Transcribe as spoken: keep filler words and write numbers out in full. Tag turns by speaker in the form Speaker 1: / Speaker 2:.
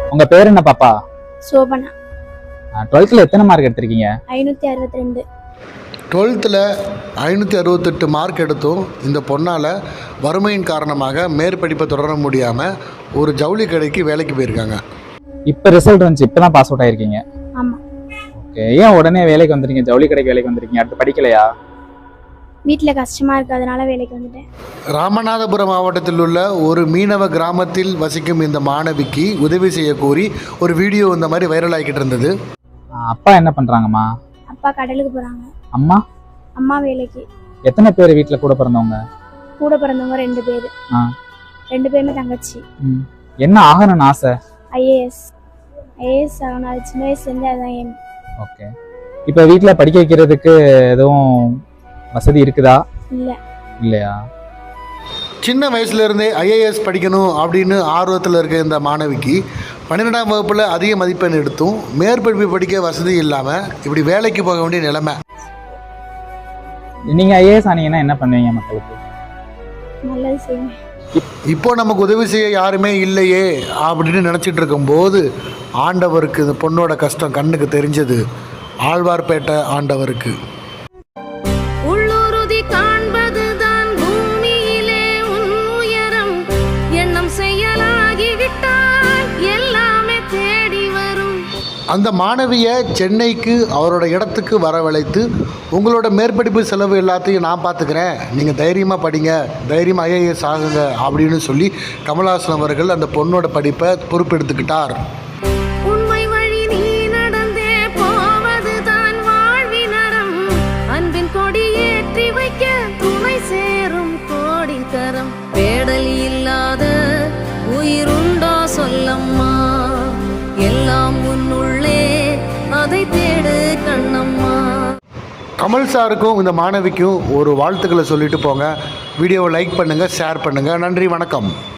Speaker 1: உங்க பேர் என்ன பாப்பா?
Speaker 2: சோபனா.
Speaker 1: டுவெல்த்ல எத்தனை மார்க் எடுத்திருக்கீங்க?
Speaker 2: ஐநூற்றி அறுபத்தி ரெண்டு.
Speaker 3: டுவெல்த்தில் ஐநூற்றி அறுபத்தெட்டு மார்க் எடுத்தும் இந்த பொண்ணால் வறுமையின் காரணமாக மேற்படிப்பை தொடர முடியாமல் ஒரு ஜவுளி கடைக்கு வேலைக்கு போயிருக்காங்க.
Speaker 1: இப்போ ரிசல்ட் வந்துச்சு, இப்போ தான் பாஸ் அவுட் ஆயிருக்கீங்க.
Speaker 2: ஆமாம்.
Speaker 1: ஓகே, ஏன் உடனே வேலைக்கு வந்துருக்கீங்க? ஜவுளி கடைக்கு வேலைக்கு வந்துருக்கீங்க, அடுத்து படிக்கலையா?
Speaker 2: வீட்டில் கஷ்டமாக இருக்குது, அதனால வேலைக்கு வந்துட்டேன்.
Speaker 3: ராமநாதபுரம் மாவட்டத்தில் உள்ள ஒரு மீனவ கிராமத்தில் வசிக்கும் இந்த மாணவிக்கு உதவி செய்ய கோரி ஒரு வீடியோ இந்த மாதிரி வைரல் ஆகிக்கிட்டு இருந்தது.
Speaker 1: அப்பா என்ன பண்ணுறாங்கம்மா?
Speaker 2: அப்பா கடலுக்கு போகிறாங்க.
Speaker 1: அம்மா?
Speaker 2: அம்மா வேலைக்கு.
Speaker 1: எத்தனை பேர் வீட்டில் கூட பிறந்தவங்க?
Speaker 2: கூட பிறந்தவங்க ரெண்டு பேர்.
Speaker 1: ஆ,
Speaker 2: ரெண்டு பேருமே தங்கச்சி.
Speaker 1: ம், என்ன ஆகணும்னு ஆசை?
Speaker 2: ஐஏஎஸ். ஐஏஎஸ் ஆகணும், அது சின்ன வயசுலேருந்து அதுதான் ஏம்.
Speaker 1: ஓகே, இப்போ வீட்டில் படிக்க வைக்கிறதுக்கு எதுவும் வசதி இருக்குதா?
Speaker 2: இல்லை.
Speaker 1: இல்லையா?
Speaker 3: சின்ன வயசுலேருந்தே ஐஏஎஸ் படிக்கணும் அப்படின்னு ஆர்வத்தில் இருக்க இந்த மாணவிக்கு பன்னிரெண்டாம் வகுப்பில் அதிக மதிப்பெண் எடுத்தும் மேற்படிப்பு படிக்க வசதி இல்லாமல் இப்படி வேலைக்கு போக வேண்டிய நிலைமை.
Speaker 1: நீங்க ஐஏஎஸ் ஆனீங்கன்னா என்ன பண்ணுவீங்க மக்களுக்கு?
Speaker 2: நல்லது செய்வேன்.
Speaker 3: இப்போ நமக்கு உதவி செய்ய யாருமே இல்லையே அப்படின்னு நினச்சிட்டு இருக்கும்போது ஆண்டவருக்கு இந்த பொண்ணோட கஷ்டம் கண்ணுக்கு தெரிஞ்சது. ஆழ்வார்பேட்டை ஆண்டவருக்கு. அந்த மாணவியை சென்னைக்கு அவரோட இடத்துக்கு வரவழைத்து உங்களோட மேற்படிப்பு செலவு எல்லாத்தையும் நான் பார்த்துக்கிறேன், நீங்கள் தைரியமாக படிங்க, தைரியமாக ஐஏஎஸ் ஆகுங்க அப்படின்னு சொல்லி கமல்ஹாசன் அவர்கள் அந்த பொண்ணோட படிப்பை பொறுப்பெடுத்துக்கிட்டார்.
Speaker 4: உண்மை வழி நீ நடந்தே போவதுதான் வாழ்வினரம், அன்பின் கொடி ஏற்றி வைக்க துணை சேரும் கோடி தரம், பேடல் இல்லாத உயிருண்டோ சொல்லம்மா, எல்லாம் உன்னுள்ளே அதை தேடு கண்ணம்மா.
Speaker 3: கமல் சாருக்கும் இந்த மாணவிக்கும் ஒரு வாழ்த்துக்களை சொல்லிட்டு போங்க. வீடியோவை லைக் பண்ணுங்கள், ஷேர் பண்ணுங்கள். நன்றி, வணக்கம்.